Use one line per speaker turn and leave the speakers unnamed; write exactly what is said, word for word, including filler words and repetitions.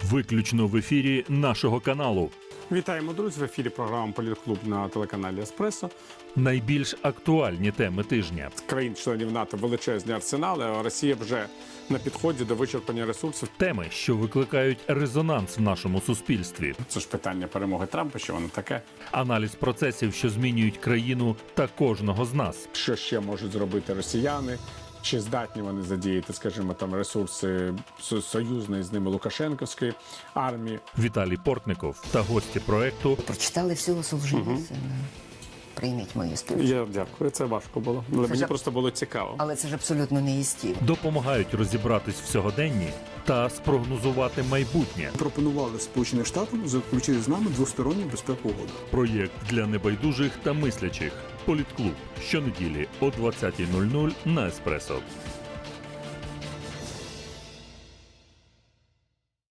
Виключно в ефірі нашого каналу.
Вітаємо, друзі! В ефірі програма «Політклуб» на телеканалі «Еспресо».
Найбільш актуальні теми тижня.
Країн-членів НАТО величезні арсенали, а Росія вже на підході до вичерпання ресурсів.
Теми, що викликають резонанс в нашому суспільстві.
Це ж питання перемоги Трампа, що воно таке.
Аналіз процесів, що змінюють країну та кожного з нас.
Що ще можуть зробити росіяни? Чи здатні вони задіяти, скажімо, там ресурси союзної з ними Лукашенківської армії?
Віталій Портников та гості проекту.
Прочитали всього Солженіцина. Угу. Прийміть мою співчуття.
Я дякую, це важко було. Але мені
ж...
просто було цікаво.
Але це ж абсолютно не їстів.
Допомагають розібратись в сьогоденні та спрогнозувати майбутнє.
Пропонували Сполученим Штатам заключити з нами двосторонню безпекову угоду.
Проєкт для небайдужих та мислячих. Політклуб. Щонеділі о двадцятій нуль нуль на Еспресо.